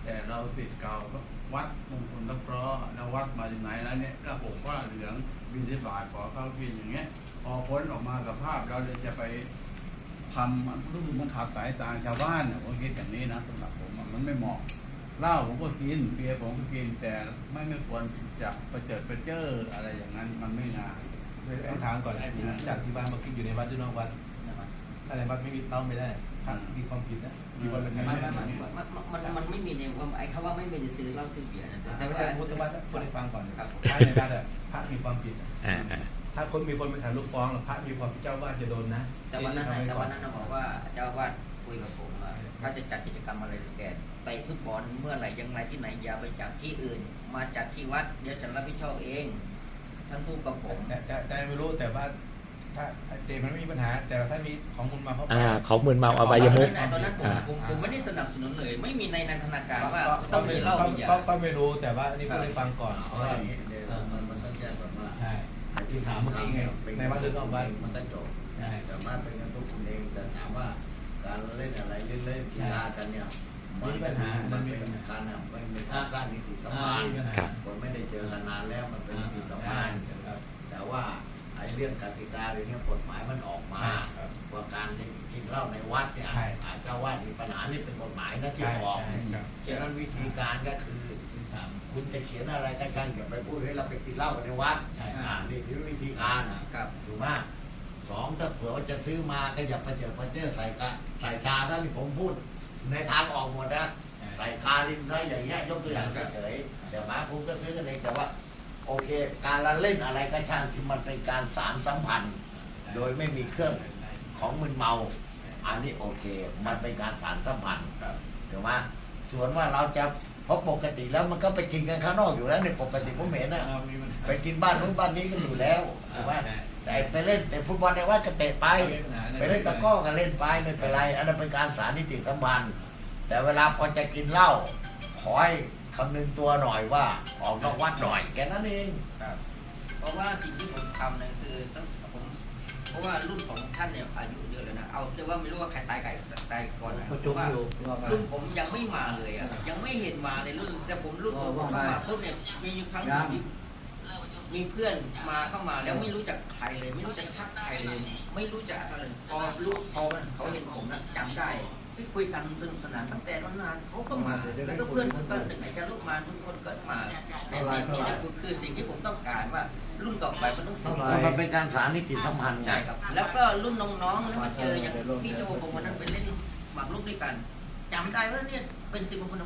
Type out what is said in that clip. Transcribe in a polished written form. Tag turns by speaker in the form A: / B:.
A: แต่เราศิษย์เก่าวัดมงคลตะเคราะห์แล้ววัดมาจากไหนแล้วเนี่ยก็ห่มผ้าเหลืองบิณฑบาตขอข้าวกินอย่างเงี้ยพอพ้นออกมาสภาพเราจะไปทำรู้สึกมันขัดสายตาชาวบ้านเนี่ยผมคิดอย่างนี้นะสำหรับผมมันไม่เหมาะเหล้าผมก็กินเบียร์ผมก็กินแต่ไม่ควรจะไปเจออะไรอย่างนั้นมันไม่งาม
B: ต้องถามก่อนจากที่บ้านมากินอยู่ในวัดหรือนอกวัดถ้าในวัดไม่มีเต้าไม่ได้พระมีความผิดนะมีคนเป็นไง
C: มันไม่มีในว่าไอ้คำว่าไม่มีในซื้อเหล้าซื้อเบียร์นะแต่ว่า
B: พูดถึงว่าพูดให้ฟังก่อนครับถ้าในวัดอะพระมีความผิดถ้าคนมีคนไปถ่ายรูปฟ้องพระมีความผิดเจ้าว่าจะโดนนะ
C: แต่วันนั้นบอกว่าเจ้าว่าคุยกับผมว่าเขาจะจัดกิจกรรมอะไรแกเตะฟุตบอลเมื่อไหร่ยังไงที่ไหนอย่าไปจัดที่อื่นมาจัดที่วัดเดี๋ยวจะรับผิดชอบเองท่านพูดกับผม
B: แต่ไม่รู้แต่ว่าถ้าเจมันไม่มีปัญหาแต่ถ้ามีของมึนเมา
D: เขามึนเมาอบายมุข
C: ตอนนั้นผมไม่ได้สนับสนุนเลยไม่มีในนันทนาการว่าต้องมีเหล้ามียา
B: ก็ไม่รู้แต่ว่านี่พูดให้ฟังก่อน
E: เพราะว่าเดี๋ยวมันต้องแยกก่อนว่า
B: ใช่ที่ถามเมื่อกี้ไงในวัดหรือนอกวัด
E: มันก็จบสามารถเป็นกันทุกคนเองแต่ถามว่าการเล่นอะไรเล่นกีฬากันเนี่ยมันเป็นการมันเป็นการสร้างนิติสัมพันธ์คนไม่ได้เจอกันนานแล้วมันเป็นนิติสัมพันธ์แต่ว่าไอ้เรื่องกติกาเรื่องนี้กฎหมายมันออกมาว่าการกินเหล้าในวัดเนี่ยอาจจะว่ามีปัญหานี่เป็นกฎหมายนะที่ออกฉะนั้นวิธีการก็คือคุณจะเขียนอะไรก็ช่างอย่าไปพูดให้เราไปกินเหล้าในวัดนี่คือวิธีการถูกไหมสองถ้าเผื่อว่าจะซื้อมาก็อย่าไปเจอใส่ชาท่านที่ผมพูดในทางออกหมดนะใส่คาลินใส่อย่างเงี้ยยกตัวอย่างเฉยๆแต่มาผมก็ซื้อกันเองแต่ว่าโอเคการละเล่นอะไรก็ช่างที่มันเป็นการสารสัมพันธ์โดยไม่มีเครื่องของมึนเมาอันนี้โอเคมันเป็นการสารสัมพันธ์ถูกไหมส่วนว่าเราจะเพราะปกติแล้วมันก็ไปกินกันข้างนอกอยู่แล้วในปกติผมเห็นนะไปกินบ้านนู้นบ้านนี้กันอยู่แล้วถูกไหมแต่ไปเล่นแต่ฟุตบอลในวัดก็เตะไปเล่นตะก้อก็เล่นไปไม่เป็นไรอันนั้นเป็นการสารนิติสัมพันธ์แต่เวลาพอจะกินเหล้าขอให้คำนึงตัวหน่อยว่าออกนอกวัดหน่อยแค่นั้นเอง
C: เพราะว่าสิ่งที่ผมทำเนี่ยคือต้องผมเพราะว่ารุ่นของท่านเนี่ยอายุเยอะเลยนะเอาเรียกว่าไม่รู้ว่าใครตายก่อนนะเพราะว่ารุ่นผมยังไม่มาเลยอ่ะยังไม่เห็นมาในรุ่นแต่ผมรุ่นผมมาปุ๊บเนี่ยมีครั้งที่มีเพื่อนมาเข้ามาแล้วไม่รู้จักใครเลยไม่รู้จักทักใครเลยไม่รู้จักอะไรพอเขาเห็นผมนะจำได้ที่คุยกันสนุกสนานตั้งแต่นานเขาก็มาแล้วก็เพื่อนผมก็หนึ่งไหนจะลูกมาทุกคนก็มานี่คือสิ่งที่ผมต้องการว่ารุ่นต่อไปมันต้องสิ่ง
E: มันเป็นการสารนิติสัมพันธ์
C: ใช่ครับแล้วก็รุ่นน้องๆแล้วมาเจออย่างพี่โจผมวันนั้นไปเล่นหมากรุกด้วยกันจำได้ว่าเนี่ยเป็นสิ่งมงคล